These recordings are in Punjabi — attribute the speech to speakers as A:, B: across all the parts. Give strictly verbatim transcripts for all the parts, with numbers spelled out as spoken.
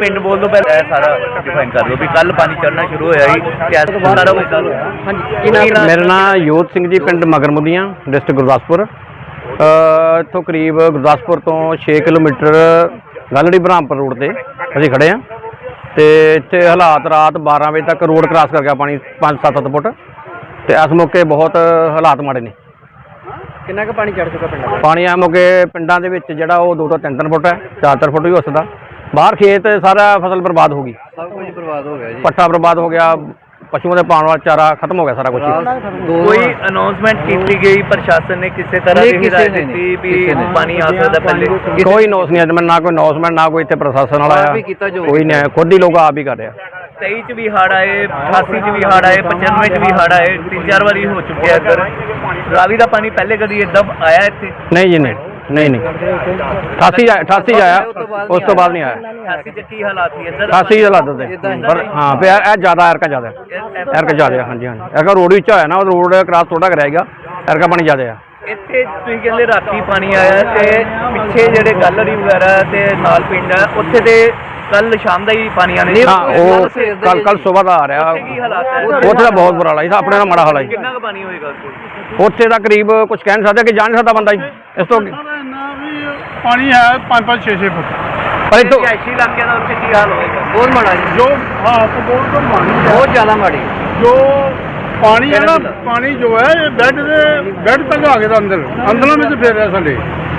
A: ਪਿੰਡ ਬੋਲ ਤੋਂ ਪਹਿਲਾਂ ਇਹ ਸਾਰਾ ਡਿਫਾਈਨ ਕਰ ਲਓ ਵੀ ਕੱਲ ਪਾਣੀ ਚੜਨਾ ਸ਼ੁਰੂ ਹੋਇਆ ਸੀ ਕਿਆ ਸਾਰਾ ਕੁਝ ਕਰ ਹਾਂਜੀ।
B: ਮੇਰਾ ਨਾਮ ਯੋਧ ਸਿੰਘ ਜੀ, ਪਿੰਡ ਮਗਰਮੁਦੀਆਂ, ਡਿਸਟ੍ਰਿਕਟ ਗੁਰਦਾਸਪੁਰ। ਇੱਥੋਂ ਕਰੀਬ ਗੁਰਦਾਸਪੁਰ ਤੋਂ ਛੇ ਕਿਲੋਮੀਟਰ ਗਲੜੀ ਬ੍ਰਹਮਪੁਰ ਰੋਡ ਤੇ ਅਸੀਂ ਖੜੇ ਹਾਂ ਤੇ ਇੱਥੇ ਹਾਲਾਤ ਰਾਤ ਬਾਰਾਂ ਵਜੇ ਤੱਕ ਰੋਡ ਕ੍ਰਾਸ ਕਰ ਗਿਆ ਪਾਣੀ ਪੰਜ ਸੱਤ ਸੱਤ ਫੁੱਟ ਤੇ ਇਸ ਮੌਕੇ ਬਹੁਤ ਹਾਲਾਤ ਮਾੜੇ ਨੇ।
C: ਕਿੰਨਾ ਕੁ ਪਾਣੀ ਚੜ ਚੁੱਕਾ ਪਿੰਡਾਂ?
B: ਪਾਣੀ ਆ ਮੌਕੇ ਪਿੰਡਾਂ ਦੇ ਵਿੱਚ ਜਿਹੜਾ ਉਹ ਦੋ ਤੋਂ ਤਿੰਨ ਤਿੰਨ ਫੁੱਟ ਹੈ, ਚਾਰ ਚਾਰ ਫੁੱਟ ਵੀ ਹੋ ਸਕਦਾ। ਬਾਹਰ ਖੇਤ ਸਾਰਾ ਫਸਲ ਬਰਬਾਦ ਹੋ ਗਈ,
C: ਸਭ ਕੁਝ ਬਰਬਾਦ ਹੋ ਗਿਆ ਜੀ।
B: ਪੱਠਾ ਬਰਬਾਦ ਹੋ ਗਿਆ, ਪਸ਼ੂਆਂ ਦੇ ਪਾਉਣ ਵਾਲਾ ਚਾਰਾ ਖਤਮ ਹੋ ਗਿਆ ਸਾਰਾ ਕੁਝ।
A: ਕੋਈ ਅਨਾਉਂਸਮੈਂਟ ਕੀਤੀ ਗਈ ਪ੍ਰਸ਼ਾਸਨ ਨੇ ਕਿਸੇ ਤਰ੍ਹਾਂ ਦੀ ਹਿਦਾਇਤ ਦਿੱਤੀ ਵੀ ਪਾਣੀ ਆ ਸਕਦਾ ਪਹਿਲੇ?
B: ਕੋਈ ਨੋਸ ਨਹੀਂ ਅੱਜ ਮੈਂ ਨਾ ਕੋਈ ਅਨਾਉਂਸਮੈਂਟ ਨਾ ਕੋਈ ਇੱਥੇ ਪ੍ਰਸ਼ਾਸਨ ਵਾਲਾ ਆਇਆ, ਕੋਈ ਨਹੀਂ, ਖੁਦ ਹੀ ਲੋਕ ਆਪ ਹੀ ਕਰ ਰਿਹਾ।
A: ਤੇਈ ਚ ਵੀ ਹੜ੍ਹ ਆਏ, ਅਠਾਸੀ ਚ ਵੀ ਹੜ੍ਹ ਆਏ, ਪਚਾਨਵੇਂ ਚ ਵੀ ਹੜ੍ਹ ਆਏ, ਤਿੰਨ ਚਾਰ ਵਾਰੀ ਹੋ ਚੁੱਕਿਆ ਇੱਧਰ। ਰਾਵੀ ਦਾ ਪਾਣੀ ਪਹਿਲੇ ਕਦੀ ਏਦਾਂ ਆਇਆ ਇੱਥੇ?
B: ਨਹੀਂ ਜੀ, ਨਹੀਂ ਨਹੀਂ ਨਹੀਂ ਅਠਾਸੀ ਅਠਾਸੀ ਆਇਆ, ਉਸ ਤੋਂ ਬਾਅਦ ਨਹੀਂ ਆਇਆ।
A: ਅਠਾਸੀ ਚ ਕੀ ਹਾਲਾਤ ਸੀ ਇੱਧਰ?
B: ਅਠਾਸੀ ਹਾਲਾਤ ਦੇ ਪਰ ਹਾਂ ਪਿਆ ਇਹ ਜ਼ਿਆਦਾ ਐਰਕਾ ਜ਼ਿਆਦਾ ਐਰਕਾ ਜ਼ਿਆਦਾ ਹਾਂਜੀ ਹਾਂਜੀ ਐਰਕਾ ਰੋਡ ਵਿੱਚ ਹੋਇਆ ਨਾ, ਉਹ ਰੋਡ ਕ੍ਰਾਸ ਥੋੜਾ ਕਰਾਏਗਾ, ਐਰਕਾ ਪਾਣੀ ਜ਼ਿਆਦਾ ਆ
A: ਇੱਥੇ। ਤੁਸੀਂ ਕਹਿੰਦੇ ਰਾਤੀ ਪਾਣੀ ਆਇਆ ਤੇ ਪਿੱਛੇ ਜਿਹੜੇ ਗੈਲਰੀ ਵਗੈਰਾ ਤੇ ਨਾਲ ਪਿੰਡ ਹੈ ਉੱਥੇ ਤੇ ਕੱਲ ਸ਼ਾਮ ਦਾ ਹੀ ਪਾਣੀ ਆਣੇ?
B: ਹਾਂ, ਉਹ ਕੱਲ ਕੱਲ ਸਵੇਰ ਦਾ ਆ ਰਿਹਾ।
A: ਕੀ ਹਾਲਾਤ ਹੈ
B: ਉੱਥੇ ਦਾ ਬਹੁਤ ਬੁਰਾ ਹਾਲ ਹੈ, ਆਪਣੇ ਨਾਲ ਮਾੜਾ ਹਾਲ ਹੈ।
A: ਕਿੰਨਾ ਕੁ ਪਾਣੀ ਹੋਏਗਾ
B: ਉੱਥੇ ਦਾ ਕਰੀਬ ਕੁਝ ਕਹਿ ਨਹੀਂ ਸਕਦਾ ਕਿ ਜਾ ਨਹੀਂ ਸਕਦਾ ਬੰਦਾ ਜੀ ਇਸ ਤੋਂ।
D: ਪਾਣੀ ਹੈ ਪੰਜ ਪੰਜ ਛੇ ਛੇ ਫੁੱਟ,
B: ਪਰ ਇੱਥੋਂ
A: ਰਿਹਾਇਸ਼ੀ ਇਲਾਕਿਆਂ ਦਾ ਉੱਥੇ ਕੀ ਹਾਲ ਹੋਏਗਾ?
C: ਬਹੁਤ ਮਾੜਾ ਜੀ,
D: ਜੋ ਹਾਲਤ ਬਹੁਤ ਮਾੜੀ ਹੈ,
C: ਬਹੁਤ ਜ਼ਿਆਦਾ ਮਾੜੀ।
D: ਜੋ ਪਾਣੀ ਹੈ ਨਾ, ਪਾਣੀ ਜੋ ਹੈ ਇਹ ਬੈੱਡ ਦੇ ਬੈੱਡ ਤੱਕ ਆ ਗਿਆ ਤਾਂ ਅੰਦਰ ਅੰਦਰਾਂ ਵਿੱਚ ਫੇਰ ਰਿਹਾ ਸਾਡੇ।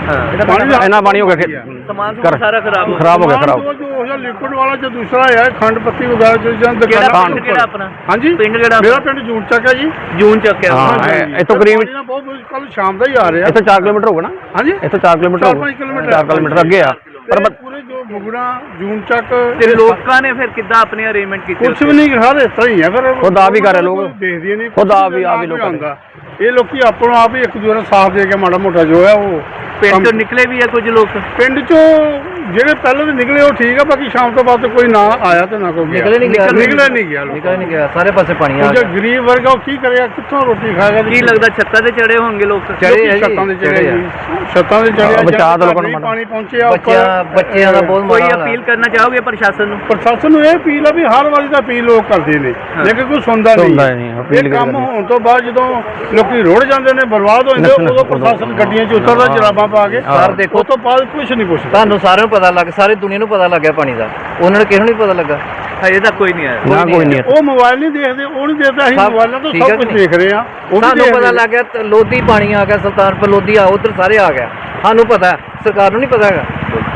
B: ਇੰਨਾ ਪਾਣੀ ਹੋ ਗਿਆ,
A: ਸਮਾਨ ਸਾਰਾ ਖਰਾਬ ਹੋ
B: ਖਰਾਬ ਹੋ ਗਿਆ ਖਰਾਬ।
D: ਜੋ ਲਿਕੁਇਡ ਵਾਲਾ ਜੋ ਦੂਸਰਾ ਹੈ ਖੰਡ ਪੱਤੀ ਵਗੈਰਾ ਜੋ ਜਾਂ
A: ਦੁਕਾਨਾਂ। ਕਿਹੜਾ ਆਪਣਾ?
D: ਹਾਂਜੀ,
A: ਪਿੰਡ ਕਿਹੜਾ?
D: ਮੇਰਾ ਪਿੰਡ ਜੂਨ ਚੱਕ ਹੈ ਜੀ।
A: ਜੂਨ ਚੱਕ ਹੈ।
B: ਹਾਂ, ਇੱਥੋਂ ਕਰੀਬ
D: ਬਹੁਤ ਕੱਲ ਸ਼ਾਮ ਦਾ ਹੀ ਆ ਰਿਹਾ।
B: ਇੱਥੋਂ ਚਾਰ ਕਿਲੋਮੀਟਰ ਹੋਊਗਾ ਨਾ?
D: ਹਾਂਜੀ,
B: ਇੱਥੋਂ ਚਾਰ ਕਿਲੋਮੀਟਰ ਹੋਊਗਾ, ਚਾਰ ਕਿਲੋਮੀਟਰ ਅੱਗੇ ਆ। ਪਰ
D: ਪੂਰੇ ਜੋ ਬੁਗੜਾ ਜੂਨ ਚੱਕ
A: ਤੇ ਲੋਕਾਂ ਨੇ ਫਿਰ ਕਿੱਦਾਂ ਆਪਣੇ ਅਰੇਂਜਮੈਂਟ ਕੀਤੇ?
D: ਕੁਛ ਵੀ ਨਹੀਂ, ਹਰ ਇਸ ਤਰ੍ਹਾਂ ਹੀ ਹੈ। ਫਿਰ
B: ਖੁਦ ਆਪ ਹੀ ਕਰ ਰਹੇ ਲੋਕ,
D: ਦੇਖਦੇ ਨਹੀਂ,
B: ਖੁਦ ਆਪ ਹੀ ਆਪ ਹੀ ਲੋਕ
D: ਆਉਂਦਾ। ਇਹ ਲੋਕੀ ਆਪਣਾ ਆਪ ਹੀ ਇੱਕ ਦੂਜੇ ਨੂੰ ਸਾਥ ਦੇ ਕੇ ਮਾੜਾ ਮੋਟਾ ਜੋ ਹੈ ਉਹ
A: ਪਿੰਡ ਤੋਂ ਨਿਕਲੇ ਵੀ ਆ ਕੁਝ ਲੋਕ।
D: ਪਿੰਡ ਚੋਂ ਜਿਹੜੇ ਪਹਿਲਾਂ ਦੇ ਨਿਕਲੇ ਉਹ ਠੀਕ ਆ, ਬਾਕੀ ਸ਼ਾਮ ਤੋਂ ਬਾਅਦ ਕੋਈ ਨਾ ਆਇਆ ਤੇ ਨਾ ਕੋਈ
C: ਨਿਕਲੇ ਨਹੀਂ ਗਿਆ,
D: ਨਿਕਲੇ ਨਹੀਂ ਗਿਆ
C: ਨਿਕਲੇ ਨਹੀਂ ਗਿਆ, ਸਾਰੇ ਪਾਸੇ ਪਾਣੀ ਆ
D: ਗਿਆ।
C: ਗਿਆ।
D: ਗਰੀਬ ਵਰਗਾ ਉਹ ਕੀ ਕਰੇਗਾ, ਕਿੱਥੋਂ ਰੋਟੀ ਖਾਏਗਾ?
A: ਕੀ ਲੱਗਦਾ ਛੱਤਾਂ ਤੇ ਚੜੇ ਹੋਣਗੇ ਲੋਕ?
D: ਚੜੇ ਛੱਤਾਂ ਦੇ ਚੜੇ ਜੀ, ਛੱਤਾਂ ਦੇ ਚੜੇ।
B: ਬਚਾ ਦੋ ਲੋਕਾਂ ਨੂੰ,
D: ਪਾਣੀ ਪਹੁੰਚਿਆ
C: ਬੱਚਿਆਂ ਬੱਚਿਆਂ ਦਾ ਬਹੁਤ
A: ਕੋਈ
C: ਮਾੜਾ।
A: ਅਪੀਲ ਕਰਨਾ ਚਾਹੋਗੇ ਪ੍ਰਸ਼ਾਸਨ ਨੂੰ?
D: ਪ੍ਰਸ਼ਾਸਨ ਨੂੰ ਇਹ ਅਪੀਲ ਆ ਵੀ ਹਰ ਵਾਰੀ ਦਾ ਅਪੀਲ ਲੋਕ ਕਰਦੇ ਨੇ, ਲੇਕਿਨ ਕੋਈ ਸੁਣਦਾ ਨਹੀਂ। ਇਹ ਕੰਮ ਹੋਣ ਤੋਂ ਬਾਅਦ ਜਦੋਂ ਲੋਕੀ ਰੁੜ ਜਾਂਦੇ ਨੇ, ਬਰਬਾਦ ਹੋ ਜਾਂਦੇ, ਉਦੋਂ ਪ੍ਰਸ਼ਾਸਨ ਗੱਡੀਆਂ 'ਚ ਉਤਰਦਾ ਜਰਾਬਾਂ ਪਾ ਕੇ।
C: ਸਰ ਦੇਖੋ,
D: ਉਸ ਤੋਂ ਬਾਅਦ ਕੁਝ ਨਹੀਂ ਪੁੱਛਦਾ।
C: ਤੁਹਾਨੂੰ ਸਾਰਿਆਂ ਨੂੰ ਪਤਾ ਲੱਗ, ਸਾਰੀ ਦੁਨੀਆ ਨੂੰ ਪਤਾ ਲੱਗਿਆ ਪਾਣੀ ਦਾ, ਉਹਨਾਂ ਨੂੰ ਕਿਸੇ ਨੂੰ ਨਹੀਂ ਪਤਾ ਲੱਗਾ।
A: ਹਜੇ ਤੱਕ ਕੋਈ ਨਹੀਂ ਆਇਆ।
B: ਨਾ ਕੋਈ ਨਹੀਂ।
D: ਉਹ ਮੋਬਾਈਲ ਨਹੀਂ ਦੇਖਦੇ, ਉਹ ਨਹੀਂ ਦੇਖਦਾ, ਅਸੀਂ ਮੋਬਾਈਲਾਂ ਤੋਂ ਸਭ ਕੁਝ ਦੇਖ ਰਹੇ ਆ।
C: ਸਾਨੂੰ ਪਤਾ ਲੱਗ ਗਿਆ ਲੋਧੀ ਪਾਣੀ ਆ ਗਿਆ, ਸੁਲਤਾਨਪੁਰ ਲੋਧੀ ਆ, ਉਧਰ ਸਾਰੇ ਆ ਗਿਆ। ਸਾਨੂੰ ਪਤਾ, ਸਰਕਾਰ ਨੂੰ ਨਹੀਂ ਪਤਾ ਹੈਗਾ।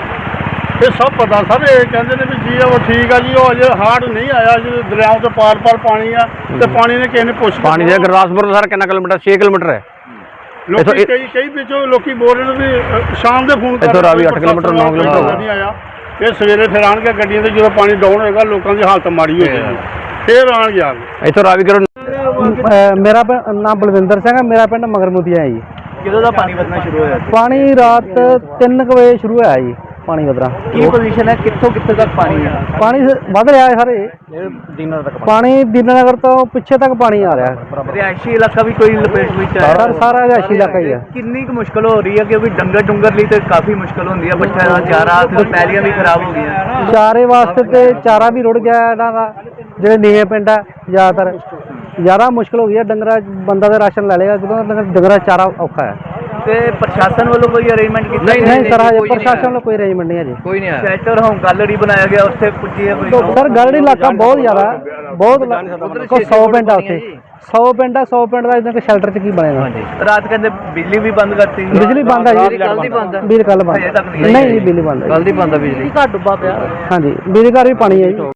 D: ਇਹ ਸਭ ਪਤਾ ਸਰ। ਇਹ ਕਹਿੰਦੇ ਨੇ ਵੀ ਜੀ ਉਹ ਠੀਕ ਆ ਜੀ, ਉਹ ਅਜੇ ਹਾਰਡ ਨਹੀਂ ਆਇਆ, ਜਦੋਂ ਦਰਿਆਵਾਂ ਤੋਂ ਪਾਰ ਪਾਰ ਪਾਣੀ ਆ ਤੇ ਪਾਣੀ ਨੇ ਕਿਸੇ ਨੇ ਪੁੱਛ
B: ਪਾਣੀ ਦੇ ਗੁਰਦਾਸਪੁਰ ਤੋਂ ਸਰ ਕਿੰਨਾ ਕਿਲੋਮੀਟਰ? ਛੇ ਕਿਲੋਮੀਟਰ ਹੈ।
D: ਲੋਕੀ ਕਈ ਕਈ ਵਿੱਚੋਂ ਲੋਕੀ ਬੋਲ ਰਹੇ ਨੇ ਵੀ ਸ਼ਾਮ ਦੇ ਫੋਨ
B: ਇੱਥੋਂ ਰਾਵੀ ਅੱਠ ਕਿਲੋਮੀਟਰ ਨੌ ਕਿਲੋਮੀਟਰ
D: ਨਹੀਂ ਆਇਆ। ਇਹ ਸਵੇਰੇ ਫਿਰ ਆਣਗੇ ਗੱਡੀਆਂ ਤੇ, ਜਦੋਂ ਪਾਣੀ ਡਾਊਨ ਹੋਏਗਾ ਲੋਕਾਂ ਦੀ ਹਾਲਤ ਮਾੜੀ ਹੋ ਜਾਏਗੀ, ਫਿਰ ਆਣਗੇ ਆ
B: ਇੱਥੋਂ ਰਾਵੀ ਕਰੋ।
E: ਮੇਰਾ ਨਾਮ ਬਲਵਿੰਦਰ ਸਿੰਘ ਹੈ, ਮੇਰਾ ਪਿੰਡ ਮਗਰਮੁਦੀਆਂ ਹੈ ਜੀ।
A: ਕਿਦੋਂ ਦਾ ਪਾਣੀ ਵਧਣਾ ਸ਼ੁਰੂ ਹੋਇਆ?
E: ਪਾਣੀ ਰਾਤ ਤਿੰਨ ਕੁ ਵਜੇ ਸ਼ੁਰੂ ਹੋਇਆ ਜੀ ਪਾਣੀ ਵਧਣਾ।
A: ਕੀ ਪੋਜੀਸ਼ਨ ਹੈ, ਕਿੱਥੋਂ ਕਿੱਥੇ ਤੱਕ ਪਾਣੀ ਹੈ?
E: ਪਾਣੀ ਵੱਧ ਰਿਹਾ ਹੈ ਸਾਰੇ
B: ਦਿਨਾਂ ਤੱਕ
E: ਪਾਣੀ, ਦੀਨਾਨਗਰ ਤੋਂ ਪਿੱਛੇ ਤੱਕ ਪਾਣੀ ਆ ਰਿਹਾ।
A: ਰਿਹਾਇਸ਼ੀ ਇਲਾਕਾ ਵੀ ਕੋਈ ਲਪੇਟ ਵਿੱਚ ਆਇਆ?
E: ਸਰ ਸਾਰਾ ਰਿਹਾਇਸ਼ੀ ਇਲਾਕਾ ਹੀ ਹੈ।
A: ਕਿੰਨੀ ਕੁ ਮੁਸ਼ਕਲ ਹੋ ਰਹੀ ਹੈ ਕਿਉਂਕਿ ਡੰਗਰ ਡੁੰਗਰ ਲਈ ਤੇ ਕਾਫੀ ਮੁਸ਼ਕਲ ਹੁੰਦੀ ਹੈ, ਬੱਚਿਆਂ ਦਾ ਚਾਰਾ ਤੇ ਪੈਲੀਆਂ ਵੀ ਖਰਾਬ ਹੋ ਗਈਆਂ।
E: ਚਾਰੇ ਵਾਸਤੇ ਤੇ ਚਾਰਾ ਵੀ ਰੁੜ ਗਿਆ ਇਹਨਾਂ ਦਾ, ਜਿਹੜੇ ਨੀਵੇਂ ਪਿੰਡ ਹੈ ਜ਼ਿਆਦਾਤਰ ਜ਼ਿਆਦਾ ਮੁਸ਼ਕਲ ਹੋ ਗਈ ਹੈ। ਡੰਗਰਾ ਬੰਦਾ ਦਾ ਰਾਸ਼ਨ ਲੈ ਲੇਗਾ, ਜਦੋਂ ਡੰਗਰਾ ਚਾਰਾ ਔਖਾ ਹੈ।
A: ਤੇ ਪ੍ਰਸ਼ਾਸਨ ਵੱਲੋਂ ਕੋਈ ਅਰੇਂਜਮੈਂਟ ਕੀਤਾ?
E: ਨਹੀਂ ਨਹੀਂ ਸਰ, ਹਜੇ ਪ੍ਰਸ਼ਾਸਨ ਵੱਲੋਂ ਕੋਈ ਅਰੇਂਜਮੈਂਟ ਨਹੀਂ ਹੈ ਜੀ।
C: ਕੋਈ ਨਹੀਂ ਆਇਆ।
A: ਸ਼ੈਲਟਰ ਹੋਮ ਗੈਲਰੀ ਬਣਾਇਆ ਗਿਆ, ਉੱਥੇ ਪੁੱਜੀ ਹੈ ਕੋਈ?
E: ਸਰ ਗਲੜੀ ਇਲਾਕਾ ਬਹੁਤ ਜ਼ਿਆਦਾ, ਬਹੁਤ ਸੌ ਪਿੰਡ ਆ ਉੱਥੇ, ਸੌ ਪਿੰਡ ਆ, ਸੌ ਪਿੰਡ ਦਾ ਇਦਾਂ ਕਿ ਸ਼ੈਲਟਰ 'ਚ ਕੀ ਬਣੇਗਾ?
A: ਰਾਤ ਕਹਿੰਦੇ ਬਿਜਲੀ ਵੀ ਬੰਦ ਕਰਤੀ।
E: ਬਿਜਲੀ ਬੰਦ ਹੈ ਜੀ,
C: ਕੱਲ ਦੀ ਬੰਦ ਹੈ।
E: ਬਿਜਲੀ ਕੱਲ ਬੰਦ ਨਹੀਂ ਜੀ, ਬਿਜਲੀ ਬੰਦ ਹੈ,
C: ਕੱਲ ਦੀ ਬੰਦ ਹੈ ਬਿਜਲੀ।
E: ਘੱਟ ਡੁੱਬਾ ਪਿਆ। ਹਾਂਜੀ, ਬਿਜਲੀ ਘਰ ਵੀ ਪਾਣੀ ਹੈ ਜੀ।